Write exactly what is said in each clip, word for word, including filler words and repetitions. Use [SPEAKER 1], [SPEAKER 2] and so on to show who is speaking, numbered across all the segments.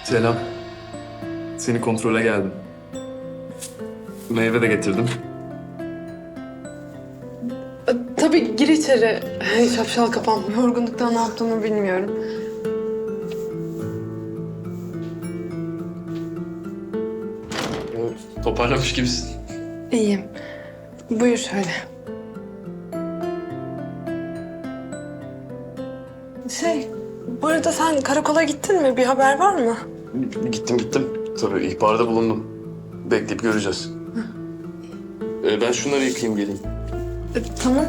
[SPEAKER 1] Selam. Seni kontrole geldim. Meyve de getirdim.
[SPEAKER 2] Tabii gir içeri. Şapşal kafam. Yorgunluktan ne yaptığımı bilmiyorum.
[SPEAKER 1] Toparlamış gibisin.
[SPEAKER 2] İyiyim. Buyur şöyle. Şey, bu arada sen karakola gittin mi? Bir haber var mı?
[SPEAKER 1] Gittim gittim. Tabii ihbarda bulundum. Bekleyip göreceğiz. Ee, ben şunları yıkayayım geleyim.
[SPEAKER 2] E, tamam.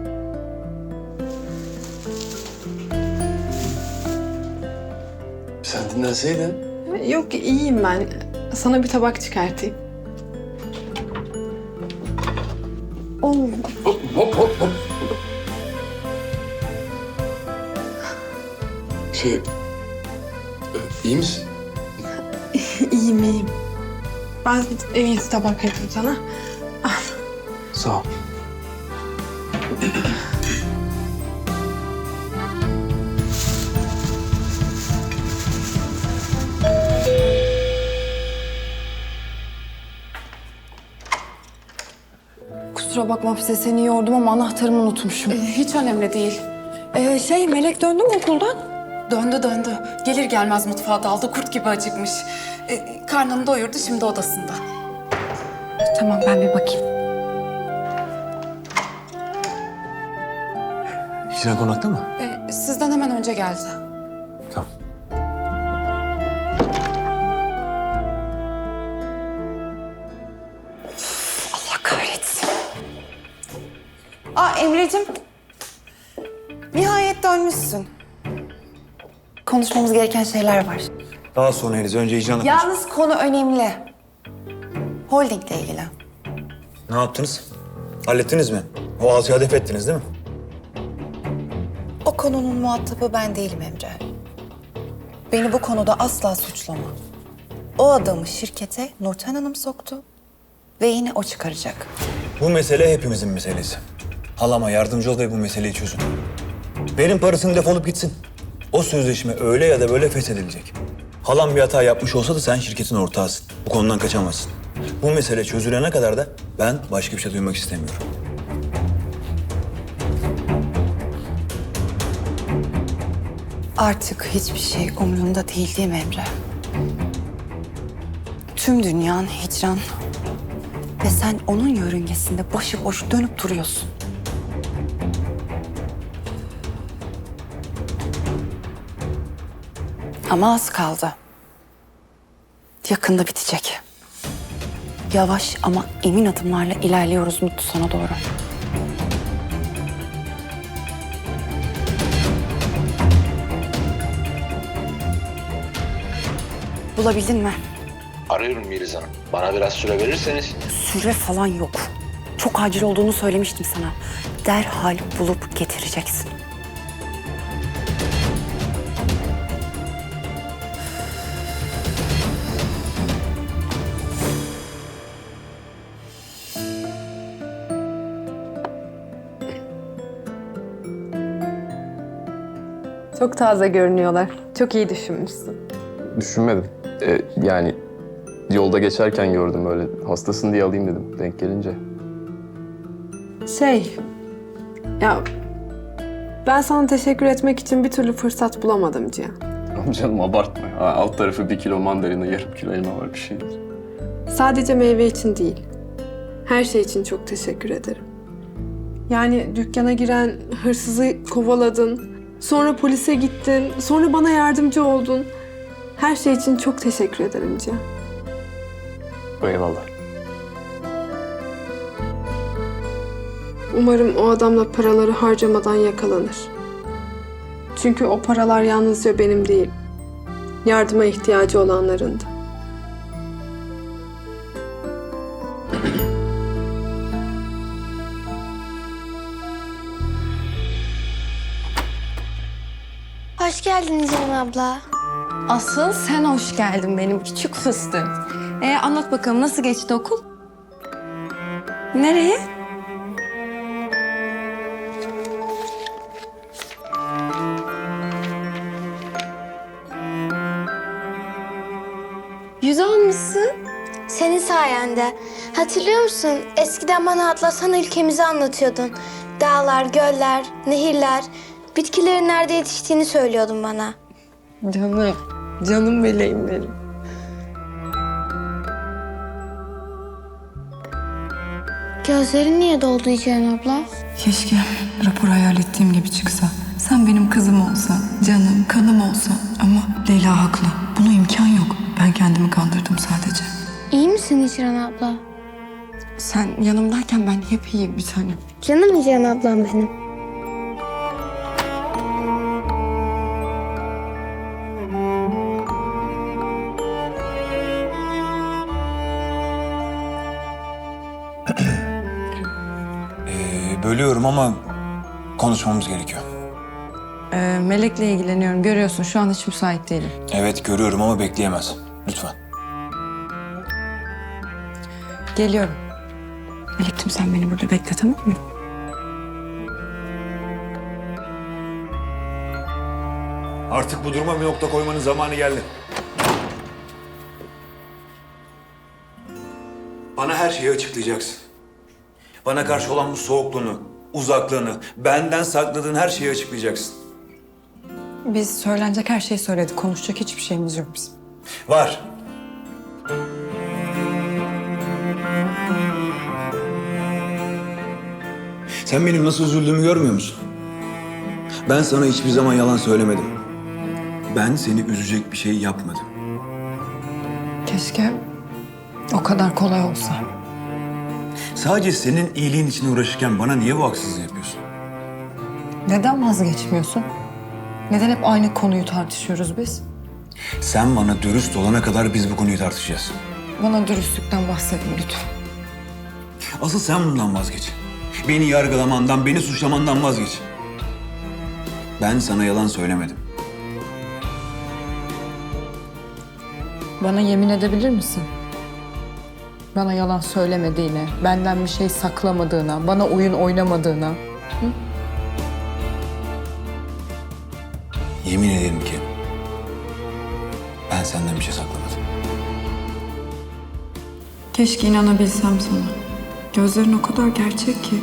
[SPEAKER 1] Sen dinlenseydin.
[SPEAKER 2] Yok, iyiyim ben. Sana bir tabak çıkartayım. Oo,
[SPEAKER 1] Hop hop hop hop. Şey... e, iyi misin?
[SPEAKER 2] iyiyim, iyiyim. Ben en iyisi tabak yapayım sana.
[SPEAKER 1] Sağ ol.
[SPEAKER 3] Kusura bakma Hafize, seni yordum ama anahtarımı unutmuşum.
[SPEAKER 2] Ee, hiç önemli değil.
[SPEAKER 3] Ee, şey, Melek döndü mü okuldan?
[SPEAKER 4] Döndü döndü. Gelir gelmez mutfağa daldı. Kurt gibi acıkmış. Ee, karnını doyurdu, şimdi odasında.
[SPEAKER 3] Tamam, ben bir bakayım.
[SPEAKER 5] Hicran konakta mı?
[SPEAKER 4] Ee, sizden hemen önce geldi.
[SPEAKER 5] Tamam.
[SPEAKER 3] Allah kahretsin. Aa Emre'cim. Nihayet dönmüşsün. Konuşmamız gereken şeyler var.
[SPEAKER 5] Daha sonra Eliz. Önce Hicran'la konuş.
[SPEAKER 3] Yalnız konu önemli. Holdingle ilgili.
[SPEAKER 5] Ne yaptınız? Hallettiniz mi? O altıyı hedef ettiniz değil mi?
[SPEAKER 3] O konunun muhatabı ben değilim Emre. Beni bu konuda asla suçlama. O adamı şirkete Nurten Hanım soktu ve yine o çıkaracak.
[SPEAKER 5] Bu mesele hepimizin meselesi. Halama yardımcı ol ve bu meseleyi çözün. Verin parasını, defolup gitsin. O sözleşme öyle ya da böyle feshedilecek. Halam bir hata yapmış olsa da sen şirketin ortağısın. Bu konudan kaçamazsın. Bu mesele çözülene kadar da ben başka bir şey duymak istemiyorum.
[SPEAKER 3] Artık hiçbir şey umurunda değil değil mi Emre? Tüm dünyan hicran. Ve sen onun yörüngesinde başıboş dönüp duruyorsun. Ama az kaldı. Yakında bitecek. Yavaş ama emin adımlarla ilerliyoruz mutlu sona doğru. Bulabildin mi?
[SPEAKER 6] Arıyorum Yeliz Hanım. Bana biraz süre verirseniz.
[SPEAKER 3] Süre falan yok. Çok acil olduğunu söylemiştim sana. Derhal bulup getireceksin.
[SPEAKER 2] Çok taze görünüyorlar. Çok iyi düşünmüşsün.
[SPEAKER 1] Düşünmedim. Ee, yani yolda geçerken gördüm öyle. Hastasın diye alayım dedim denk gelince.
[SPEAKER 2] Şey, ya ben sana teşekkür etmek için bir türlü fırsat bulamadım Cihan.
[SPEAKER 1] Ama canım abartma. Ha, alt tarafı bir kilo mandalina, yarım kilo elma var bir şey değil.
[SPEAKER 2] Sadece meyve için değil, her şey için çok teşekkür ederim. Yani dükkana giren hırsızı kovaladın, sonra polise gittin, sonra bana yardımcı oldun. Her şey için çok teşekkür ederim Cihan.
[SPEAKER 1] Eyvallah.
[SPEAKER 2] Umarım o adamla paraları harcamadan yakalanır. Çünkü o paralar yalnızca benim değil, yardıma ihtiyacı olanların da.
[SPEAKER 7] Hoş geldin Ceren abla.
[SPEAKER 4] Asıl sen hoş geldin benim küçük fıstığım. Ee, anlat bakalım, nasıl geçti okul?
[SPEAKER 3] Nereye?
[SPEAKER 7] Yüz almışsın. Senin sayende. Hatırlıyor musun? Eskiden bana Atlasan ülkemizi anlatıyordun. Dağlar, göller, nehirler, bitkilerin nerede yetiştiğini söylüyordun bana.
[SPEAKER 2] Canım, canım meleğim benim.
[SPEAKER 7] Gözlerin niye doldu Hicran abla?
[SPEAKER 4] Keşke rapor hayal ettiğim gibi çıksa. Sen benim kızım olsan, canım, kanım olsan. Ama Leyla haklı. Buna imkan yok. Ben kendimi kandırdım sadece.
[SPEAKER 7] İyi misin Hicran abla?
[SPEAKER 4] Sen yanımdayken ben hep iyiyim bir tanem.
[SPEAKER 7] Canım Hicran ablam benim.
[SPEAKER 5] Ee, bölüyorum ama konuşmamız gerekiyor.
[SPEAKER 8] Ee, Melek'le ilgileniyorum. Görüyorsun şu an hiç müsait değilim.
[SPEAKER 5] Evet görüyorum ama bekleyemez. Lütfen.
[SPEAKER 8] Geliyorum.
[SPEAKER 4] Melek'cim sen beni burada bekle, tamam mı?
[SPEAKER 5] Artık bu duruma bir nokta koymanın zamanı geldi. Bana her şeyi açıklayacaksın. Bana karşı olan bu soğukluğunu, uzaklığını, benden sakladığın her şeyi açıklayacaksın.
[SPEAKER 8] Biz söylenecek her şeyi söyledik. Konuşacak hiçbir şeyimiz yok bizim.
[SPEAKER 5] Var. Sen benim nasıl üzüldüğümü görmüyor musun? Ben sana hiçbir zaman yalan söylemedim. Ben seni üzecek bir şey yapmadım.
[SPEAKER 8] Keşke o kadar kolay olsa.
[SPEAKER 5] Sadece senin iyiliğin için uğraşırken bana niye bu haksızlığı yapıyorsun?
[SPEAKER 8] Neden vazgeçmiyorsun? Neden hep aynı konuyu tartışıyoruz biz?
[SPEAKER 5] Sen bana dürüst olana kadar biz bu konuyu tartışacağız.
[SPEAKER 8] Bana dürüstlükten bahsetme lütfen.
[SPEAKER 5] Asıl sen bundan vazgeç. Beni yargılamandan, beni suçlamandan vazgeç. Ben sana yalan söylemedim.
[SPEAKER 8] Bana yemin edebilir misin? Bana yalan söylemediğine, benden bir şey saklamadığına, bana oyun oynamadığına.
[SPEAKER 5] Yemin ederim ki ben senden bir şey saklamadım.
[SPEAKER 4] Keşke inanabilsem sana. Gözlerin o kadar gerçek ki.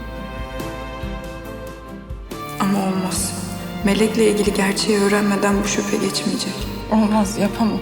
[SPEAKER 4] Ama olmaz. Melek'le ilgili gerçeği öğrenmeden bu şüphe geçmeyecek.
[SPEAKER 8] Olmaz, yapamam.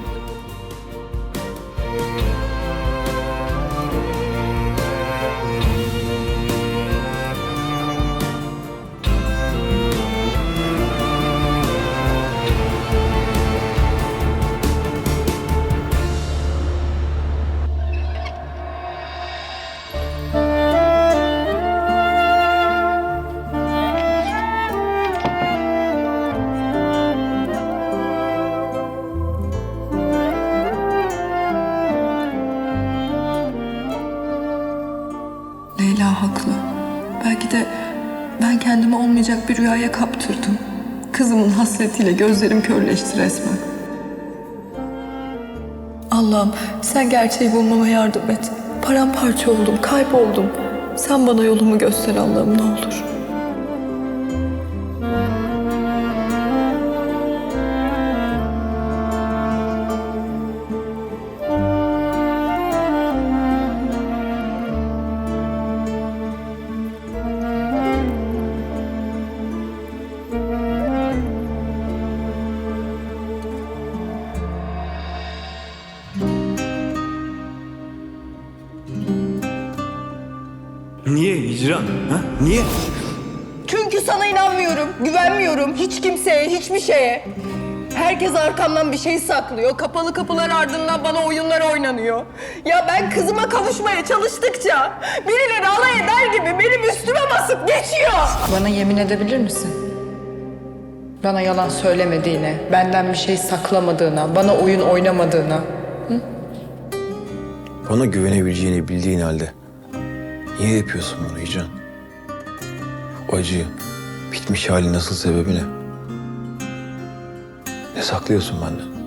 [SPEAKER 4] Leyla haklı. Belki de ben kendimi olmayacak bir rüyaya kaptırdım. Kızımın hasretiyle gözlerim körleşti resmen. Allah'ım sen gerçeği bulmama yardım et. Paramparça oldum, kayboldum. Sen bana yolumu göster Allah'ım ne olur.
[SPEAKER 5] Niye Hicran? Ha? Niye?
[SPEAKER 9] Çünkü sana inanmıyorum, güvenmiyorum hiç kimseye, hiçbir şeye. Herkes arkamdan bir şey saklıyor. Kapalı kapılar ardından bana oyunlar oynanıyor. Ya ben kızıma kavuşmaya çalıştıkça birileri alay eder gibi benim üstüme basıp geçiyor.
[SPEAKER 8] Bana yemin edebilir misin? Bana yalan söylemediğine, benden bir şey saklamadığına, bana oyun oynamadığına.
[SPEAKER 5] Bana güvenebileceğini bildiğin halde niye yapıyorsun bunu Hicran? O acı, bitmiş halin nasıl sebebi ne? Ne saklıyorsun benden?